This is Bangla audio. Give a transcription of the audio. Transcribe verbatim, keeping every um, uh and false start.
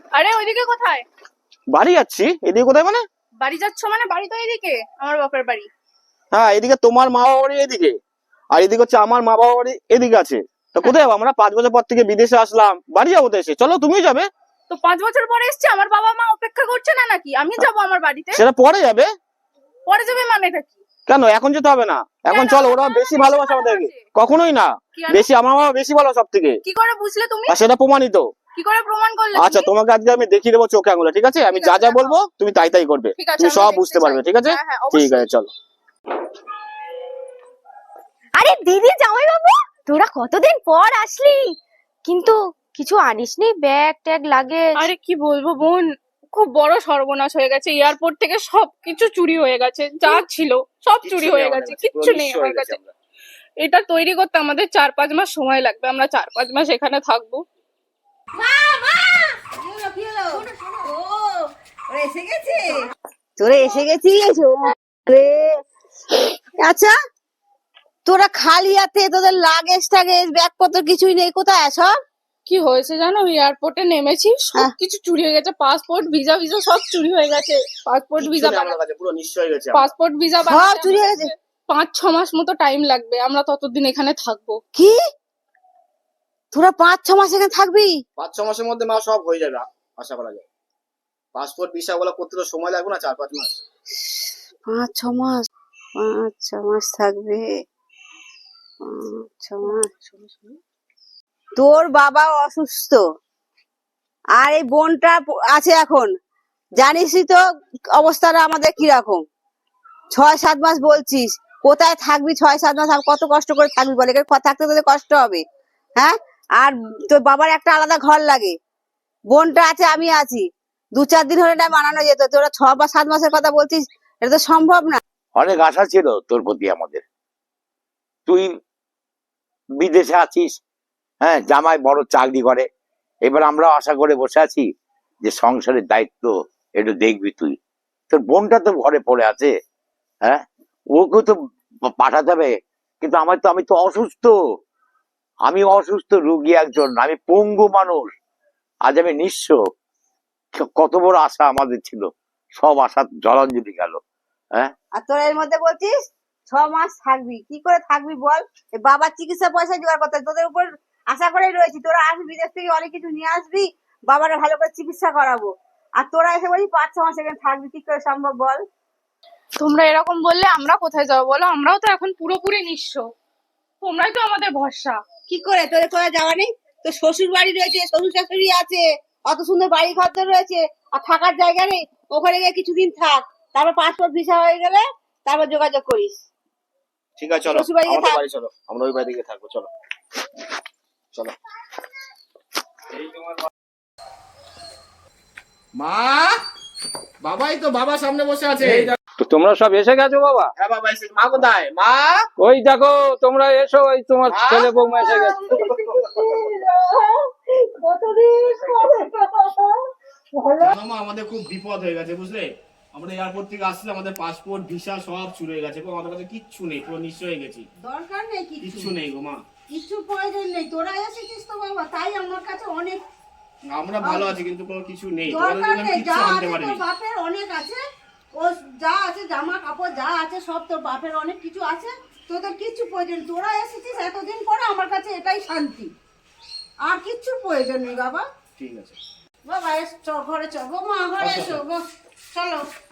আরে ওইদিকে কোথায়? বাড়ি যাচ্ছি। এদিকে কোথায় মানে? বাড়ি যাচ্ছ মানে? বাড়ি তো এদিকে, আমার বাপের বাড়ি। হ্যাঁ, এদিকে তোমার মা বাবা বাড়ি এদিকে, আর এদিকে হচ্ছে আমার মা বাবা বাড়ি এদিকে আছে। তো কোথায় যাবো আমরা? পাঁচ বছর পর থেকে বিদেশে আসলাম, বাড়ি যাবো তো এসে। চলো তুমিও যাবে। তো পাঁচ বছর পরে এসছে, আমার বাবা মা অপেক্ষা করছে না নাকি? আমি যাবো আমার বাড়িতে। সেটা পরে যাবে। পরে যাবে মানেটা কি? কেন এখন যেতে হবে না? এখন চলো, ওরা বেশি ভালোবাসে আমাদেরকে। কখনোই না, বেশি আমার বাবা বেশি ভালো সব থেকে। কি করে বুঝলে তুমি? আর সেটা প্রমাণিত। কি করে প্রমাণ করলে? আচ্ছা তোমাকে আজকে আমি দেখিয়ে দেবো চোখে আঙুলে, ঠিক আছে? আমি যা যা বলবো তুমি তাই তাই করবে, তুমি সব বুঝতে পারবে, ঠিক আছে? ঠিক আছে চলো। আরে দিদি, জামাই বাবু, তোরা কতদিন পর আসলি, কিন্তু কিছু আনিসনি? ব্যাগ ট্যাগ লাগে? আরে কি বলবো বোন, খুব বড় সর্বনাশ হয়ে গেছে। এয়ারপোর্ট থেকে সবকিছু চুরি হয়ে গেছে, যা ছিল সব চুরি হয়ে গেছে, কিচ্ছু নেই আমার কাছে। এটা তৈরি করতে আমাদের চার পাঁচ মাস সময় লাগবে, আমরা চার পাঁচ মাস এখানে থাকবো। তোরা এসে গেছিস? আচ্ছা, তোরা খালি হাতে, তোদের লাগেজ টাগেজ ব্যাগপত্র কিছুই নেই, কোথায় সব? কি হয়েছে জানো, এয়ারপোর্টে নেমেছি, সবকিছু চুরি হয়ে গেছে। পাসপোর্ট ভিসা ভিসা সব চুরি হয়ে গেছে। পাসপোর্ট ভিসা পুরো নিশ্চয় হয়ে গেছে। পাসপোর্ট ভিসা সব চুরি হয়ে গেছে। পাঁচ ছ মাস মতো টাইম লাগবে, আমরা ততদিন এখানে থাকবো। কি তোরা পাঁচ ছ মাস এখানে থাকবি? পাঁচ ছ মাসের মধ্যে মা সব হয়ে যাবে, আশা করা যায়। পাসপোর্ট ভিসা গুলো করতে তো সময় লাগবে না? চার পাঁচ মাস। পাঁচ ছ মাস পাঁচ ছ মাস থাকবে? পাঁচ ছ মাস। তোর বাবা অসুস্থ, আর এই বোনটা আছে এখন, জানিসই তো অবস্থাটা আমাদের কিরকম। ছয় সাত মাস বলছিস, কোথায় থাকবি ছয় সাত মাস? আর কত কষ্ট করে থাকবি বলে? থাকতে তোদের কষ্ট হবে, হ্যাঁ? আর তোর বাবার একটা আলাদা ঘর লাগে, বোনটা আছে, আমি আছি, দু চার দিন হলে না বানানো যেত। তোরা ছ বা সাত মাসের কথা বলছিস, এটা তো সম্ভব না। অনেক আশা ছিল তোর প্রতি আমাদের। তুই বিদেশে আছিস, হ্যাঁ, জামাই বড় চাকরি করে, এবার আমরা আশা করে বসে আছি যে সংসারের দায়িত্ব একটু দেখবি তুই। তোর বোনটা তো ঘরে পড়ে আছে, হ্যাঁ, ওকে তো পাঠাতে হবে। কিন্তু আমার তো, আমি তো অসুস্থ, আমি অসুস্থ রুগী একজন, আমি পঙ্গু মানুষ, আজ আমি নিঃস্ব। কত বড় আশা আমাদের ছিল, সব আশা জলাঞ্জলি গেল। হ্যাঁ, আর তোরা এর মধ্যে বলছিস ছ মাস থাকবি? কি করে থাকবি বল? বাবার চিকিৎসা পয়সা জোগাড় করতে তোদের উপর আশা করেই রয়েছি। তোরা আসবি বিদেশ থেকে, অনেক কিছু নিয়ে আসবি, বাবারে ভালো করে চিকিৎসা করাবো, আর তোরা এসে বলছিস পাঁচ ছ মাস এখানে থাকবি। কি করে সম্ভব বল? তোমরা এরকম বললে আমরা কোথায় যাবো বলো? আমরাও তো এখন পুরোপুরি নিঃস্ব, তোমরাই তো আমাদের ভরসা। কি করে তোদের কোথায় যাওয়া নেই? তোর শ্বশুর বাড়ি রয়েছে, শ্বশুর শাশুড়ি আছে, অত সুন্দর বাড়ি ঘর তো রয়েছে, আর থাকার জায়গা নেই? ওখানে গিয়ে কিছুদিন থাক, তারপর পাসপোর্ট ভিসা হয়ে গেলে তারপর যোগাযোগ করিস। ঠিক আছে চলো, আমাদের বাড়ি চলো, আমরা ওই বাড়ি থাকবো। চলো চলো। মা, বাবাই তো, বাবা সামনে বসে আছে। তো তোমরা সব এসে গেছো বাবা? হ্যাঁ বাবা এসে। মা কোথায়? মা ওই দেখো, তোমরা এসো, ওই তোমার ছেলে বৌমা এসে গেছে। মা আমাদের খুব বিপদ হয়ে গেছে বুঝলে। আমরা এয়ারপোর্ট থেকে আসলে আমাদের পাসপোর্ট ভিসা সব চুরি হয়ে গেছে, আমাদের কাছে কিচ্ছু নেই, পুরো নিঃস্ব হয়ে গেছি। দরকার নেই কিচ্ছু নেই গো মা, কিছু প্রয়োজন নেই। তোরা এসেছিস তো বাবা, তাই আমার কাছে অনেক। আমরা ভালো আছি কিন্তু কোনো কিছু নেই, দরকার নেই, যা আনতে আছে পারিনি। তোর বাপের অনেক আছে, ও যা আছে জামা কাপড় যা আছে সব তোর বাপের অনেক কিছু আছে, তোদের কিচ্ছু প্রয়োজন। তোরা এসেছিস এতদিন পরে, আমার কাছে এটাই শান্তি, আর কিচ্ছু প্রয়োজন নেই বাবা। ঠিক আছে বাবা এস, চ ঘরে চ, গো মা ঘরে এসো গো, চলো।